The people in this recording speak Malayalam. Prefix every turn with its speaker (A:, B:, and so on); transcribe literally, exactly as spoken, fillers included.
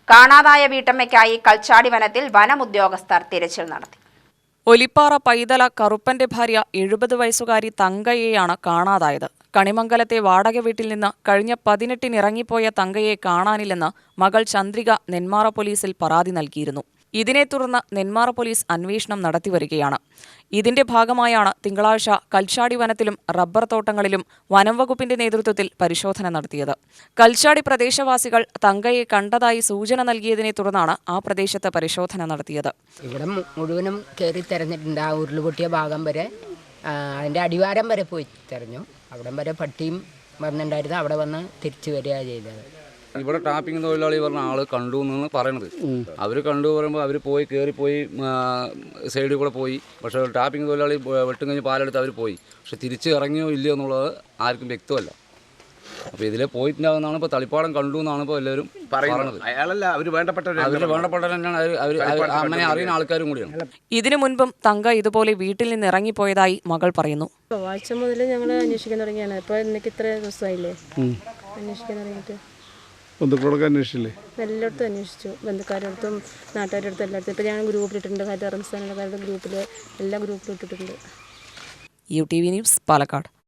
A: കാണാതായ വീട്ടമ്മയ്ക്കായി കൽച്ചാടി വനത്തിൽ വനമുദ്യോഗസ്ഥർ തിരച്ചിൽ നടത്തി.
B: ഒലിപ്പാറ പൈതല കറുപ്പന്റെ ഭാര്യ എഴുപത് വയസ്സുകാരി തങ്കയെയാണ് കാണാതായത്. കണിമംഗലത്തെ വാടക വീട്ടിൽ നിന്ന് കഴിഞ്ഞ പതിനെട്ടിന് ഇറങ്ങിപ്പോയ തങ്കയെ കാണാനില്ലെന്ന് മകൾ ചന്ദ്രിക നെന്മാറ പോലീസിൽ പരാതി നൽകിയിരുന്നു. ഇതിനെ തുടർന്ന് നെന്മാറ പോലീസ് അന്വേഷണം നടത്തിവരികയാണ്. ഇതിന്റെ ഭാഗമായാണ് തിങ്കളാഴ്ച കൽച്ചാടി വനത്തിലും റബ്ബർ തോട്ടങ്ങളിലും വനം വകുപ്പിന്റെ നേതൃത്വത്തിൽ പരിശോധന നടത്തിയത്. കൽച്ചാടി പ്രദേശവാസികൾ തങ്കയെ കണ്ടതായി സൂചന നൽകിയതിനെ തുടർന്നാണ് ആ പ്രദേശത്ത് പരിശോധന നടത്തിയത്.
C: ഇവിടെ മുഴുവനും കയറി തെരഞ്ഞിട്ടുണ്ട്. ആ ഉരുളുപൊട്ടിയ ഭാഗം വരെ, അതിൻ്റെ അടിവാരം വരെ പോയി തെരഞ്ഞു. അവിടം വരെ പട്ടിയും വന്നിട്ടുണ്ടായിരുന്നു. അവിടെ വന്ന് തിരിച്ചു വരിക ചെയ്തത്.
D: ഇവിടെ ടാപ്പിംഗ് തൊഴിലാളി പറഞ്ഞ ആൾ കണ്ടു എന്നാണ് പറയണത്. അവർ കണ്ടു പറയുമ്പോൾ അവർ പോയി കയറിപ്പോയി സൈഡിൽ കൂടെ പോയി. പക്ഷേ ടാപ്പിംഗ് തൊഴിലാളി വെട്ടും കഴിഞ്ഞ് പാലെടുത്ത് അവർ പോയി. പക്ഷെ തിരിച്ച് ഇറങ്ങിയോ ഇല്ലയോ എന്നുള്ളത് ആർക്കും വ്യക്തമല്ല. അപ്പോൾ ഇതിലെ പോയിട്ടുണ്ടാകുന്നതാണ് ഇപ്പോൾ തളിപ്പാടം കണ്ടു എന്നാണ് ഇപ്പോൾ എല്ലാവരും പറയുന്നത്.
E: അയാളല്ല, അവർ വേണ്ടപ്പെട്ടവർ
D: അവർ വേണ്ടപ്പെട്ടവർ തന്നെയാണ്. അവർ അങ്ങനെ അറിയുന്ന ആൾക്കാരും കൂടിയാണ്.
B: ഇതിനു മുൻപും തങ്ക ഇതുപോലെ വീട്ടിൽ നിന്ന് ഇറങ്ങിപ്പോയതായി മകൾ പറയുന്നു.
F: ആഴ്ച മുതൽ ഞങ്ങൾ അന്വേഷിക്കാൻ തുടങ്ങിയാണ്. ഇപ്പോൾ എനിക്ക് ഇത്ര ദിവസമായില്ലേ അന്വേഷിക്കാൻ തുടങ്ങിയിട്ട്.
G: ബന്ധുക്കളൊക്കെ അന്വേഷിച്ചില്ലേ?
F: എല്ലായിടത്തും അന്വേഷിച്ചു, ബന്ധുക്കാരുടെ അടുത്തും നാട്ടുകാരുടെ അടുത്തും എല്ലായിടത്തും. ഇപ്പോൾ ഞാൻ ഗ്രൂപ്പിലിട്ടിട്ടുണ്ട്, ഹരിത റംസാനുകാരുടെ ഗ്രൂപ്പിൽ എല്ലാ ഗ്രൂപ്പിലും ഇട്ടിട്ടുണ്ട്.
B: U T V news, Palakkad.